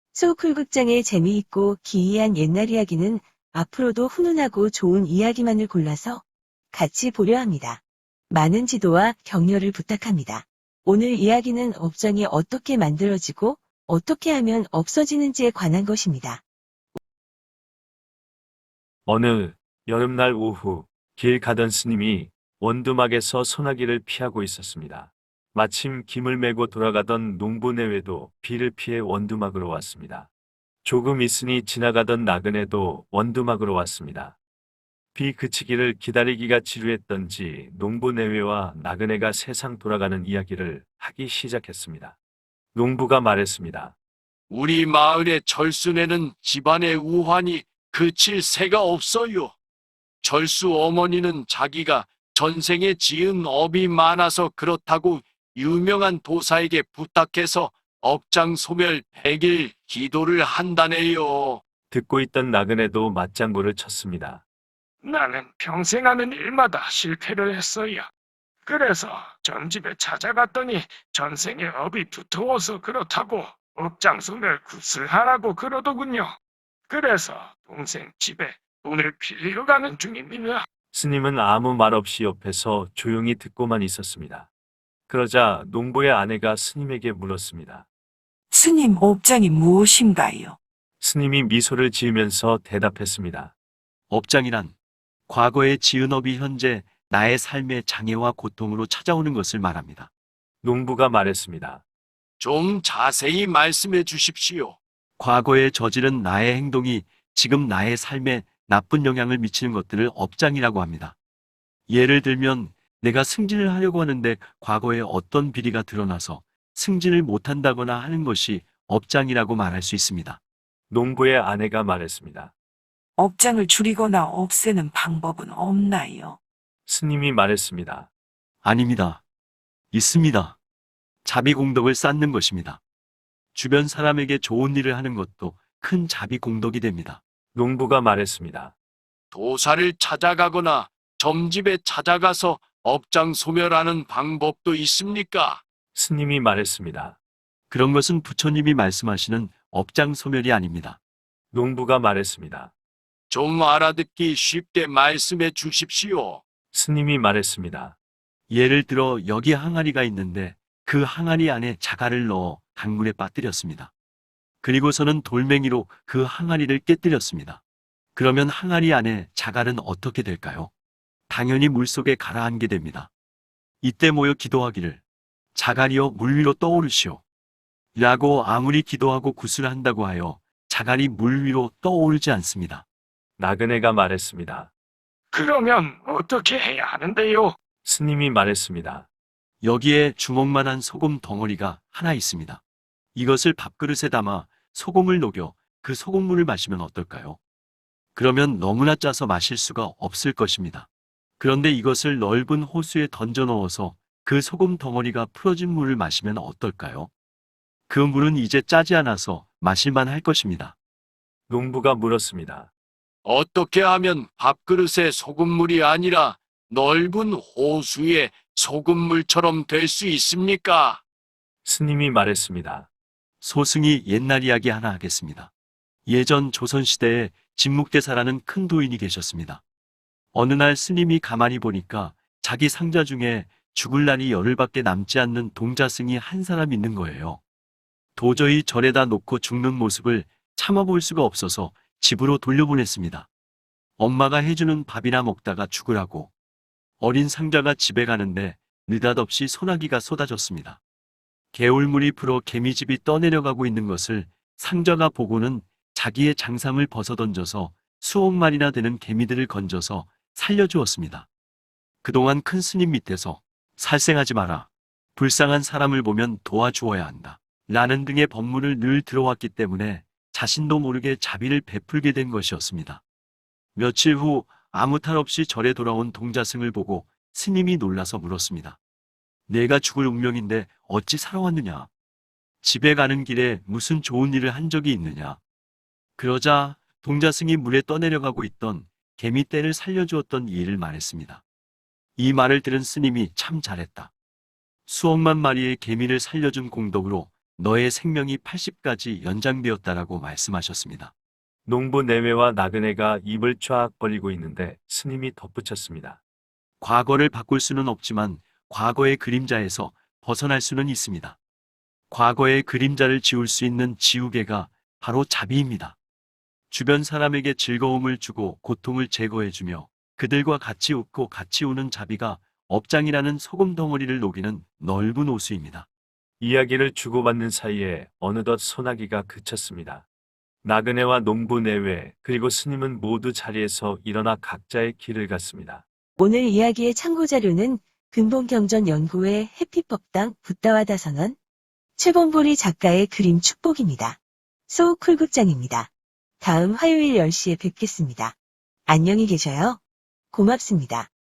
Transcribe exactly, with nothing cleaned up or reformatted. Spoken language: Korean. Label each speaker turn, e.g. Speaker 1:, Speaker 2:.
Speaker 1: 소쿨극장의 재미있고 기이한 옛날 이야기는 앞으로도 훈훈하고 좋은 이야기만을 골라서 같이 보려 합니다. 많은 지도와 격려를 부탁합니다. 오늘 이야기는 업장이 어떻게 만들어지고 어떻게 하면 없어지는지에 관한 것입니다.
Speaker 2: 어느 여름날 오후 길 가던 스님이 원두막에서 소나기를 피하고 있었습니다. 마침 김을 메고 돌아가던 농부 내외도 비를 피해 원두막으로 왔습니다. 조금 있으니 지나가던 나그네도 원두막으로 왔습니다. 비 그치기를 기다리기가 지루했던지 농부 내외와 나그네가 세상 돌아가는 이야기를 하기 시작했습니다. 농부가 말했습니다.
Speaker 3: 우리 마을의 절순에는 집안의 우환이 그칠 새가 없어요. 절수 어머니는 자기가 전생에 지은 업이 많아서 그렇다고 유명한 도사에게 부탁해서 업장소멸 백 일 기도를 한다네요.
Speaker 2: 듣고 있던 나그네도 맞장구를 쳤습니다.
Speaker 4: 나는 평생 하는 일마다 실패를 했어요. 그래서 전집에 찾아갔더니 전생에 업이 두터워서 그렇다고 업장소멸 굿을하라고 그러더군요. 그래서 동생 집에 돈을 빌리러 가는 중입니다.
Speaker 2: 스님은 아무 말 없이 옆에서 조용히 듣고만 있었습니다. 그러자 농부의 아내가 스님에게 물었습니다.
Speaker 5: 스님 업장이 무엇인가요?
Speaker 2: 스님이 미소를 지으면서 대답했습니다.
Speaker 6: 업장이란 과거에 지은 업이 현재 나의 삶의 장애와 고통으로 찾아오는 것을 말합니다.
Speaker 2: 농부가 말했습니다.
Speaker 3: 좀 자세히 말씀해 주십시오.
Speaker 6: 과거에 저지른 나의 행동이 지금 나의 삶에 나쁜 영향을 미치는 것들을 업장이라고 합니다. 예를 들면 내가 승진을 하려고 하는데 과거에 어떤 비리가 드러나서 승진을 못한다거나 하는 것이 업장이라고 말할 수 있습니다.
Speaker 2: 농부의 아내가 말했습니다.
Speaker 5: 업장을 줄이거나 없애는 방법은 없나요?
Speaker 2: 스님이 말했습니다.
Speaker 6: 아닙니다. 있습니다. 자비공덕을 쌓는 것입니다. 주변 사람에게 좋은 일을 하는 것도 큰 자비공덕이 됩니다.
Speaker 2: 농부가 말했습니다.
Speaker 3: 도사를 찾아가거나 점집에 찾아가서 업장 소멸하는 방법도 있습니까?
Speaker 2: 스님이 말했습니다.
Speaker 6: 그런 것은 부처님이 말씀하시는 업장 소멸이 아닙니다.
Speaker 2: 농부가 말했습니다.
Speaker 3: 좀 알아듣기 쉽게 말씀해 주십시오.
Speaker 2: 스님이 말했습니다.
Speaker 6: 예를 들어 여기 항아리가 있는데 그 항아리 안에 자갈을 넣어 강물에 빠뜨렸습니다. 그리고서는 돌멩이로 그 항아리를 깨뜨렸습니다. 그러면 항아리 안에 자갈은 어떻게 될까요? 당연히 물속에 가라앉게 됩니다. 이때 모여 기도하기를 자갈이여 물 위로 떠오르시오 라고 아무리 기도하고 굿을 한다고 하여 자갈이 물 위로 떠오르지 않습니다.
Speaker 2: 나그네가 말했습니다.
Speaker 4: 그러면 어떻게 해야 하는데요?
Speaker 2: 스님이 말했습니다.
Speaker 6: 여기에 주먹만한 소금 덩어리가 하나 있습니다. 이것을 밥그릇에 담아 소금을 녹여 그 소금물을 마시면 어떨까요? 그러면 너무나 짜서 마실 수가 없을 것입니다. 그런데 이것을 넓은 호수에 던져 넣어서 그 소금 덩어리가 풀어진 물을 마시면 어떨까요? 그 물은 이제 짜지 않아서 마실만 할 것입니다.
Speaker 2: 농부가 물었습니다.
Speaker 3: 어떻게 하면 밥그릇에 소금물이 아니라 넓은 호수의 소금물처럼 될 수 있습니까?
Speaker 2: 스님이 말했습니다.
Speaker 6: 소승이 옛날 이야기 하나 하겠습니다. 예전 조선시대에 진묵대사라는 큰 도인이 계셨습니다. 어느 날 스님이 가만히 보니까 자기 상자 중에 죽을 날이 열흘밖에 남지 않는 동자승이 한 사람 있는 거예요. 도저히 절에다 놓고 죽는 모습을 참아볼 수가 없어서 집으로 돌려보냈습니다. 엄마가 해주는 밥이나 먹다가 죽으라고. 어린 상자가 집에 가는데 느닷없이 소나기가 쏟아졌습니다. 개울물이 불어 개미집이 떠내려가고 있는 것을 상자가 보고는 자기의 장상을 벗어던져서 수억 마리나 되는 개미들을 건져서 살려주었습니다. 그동안 큰 스님 밑에서 살생하지 마라. 불쌍한 사람을 보면 도와주어야 한다. 라는 등의 법문을 늘 들어왔기 때문에 자신도 모르게 자비를 베풀게 된 것이었습니다. 며칠 후 아무 탈 없이 절에 돌아온 동자승을 보고 스님이 놀라서 물었습니다. 내가 죽을 운명인데 어찌 살아왔느냐? 집에 가는 길에 무슨 좋은 일을 한 적이 있느냐? 그러자 동자승이 물에 떠내려가고 있던 개미떼를 살려주었던 이 일을 말했습니다. 이 말을 들은 스님이 참 잘했다. 수억만 마리의 개미를 살려준 공덕으로 너의 생명이 팔십까지 연장되었다라고 말씀하셨습니다.
Speaker 2: 농부 내외와 나그네가 입을 쫙 벌리고 있는데 스님이 덧붙였습니다.
Speaker 6: 과거를 바꿀 수는 없지만 과거의 그림자에서 벗어날 수는 있습니다. 과거의 그림자를 지울 수 있는 지우개가 바로 자비입니다. 주변 사람에게 즐거움을 주고 고통을 제거해주며 그들과 같이 웃고 같이 우는 자비가 업장이라는 소금 덩어리를 녹이는 넓은 호수입니다.
Speaker 2: 이야기를 주고받는 사이에 어느덧 소나기가 그쳤습니다. 나그네와 농부 내외 그리고 스님은 모두 자리에서 일어나 각자의 길을 갔습니다.
Speaker 1: 오늘 이야기의 참고 자료는 근본경전연구회 해피법당 붓다와 다선원, 최봉보리 작가의 그림 축복입니다. 소쿨극장입니다. 다음 화요일 열 시에 뵙겠습니다. 안녕히 계셔요. 고맙습니다.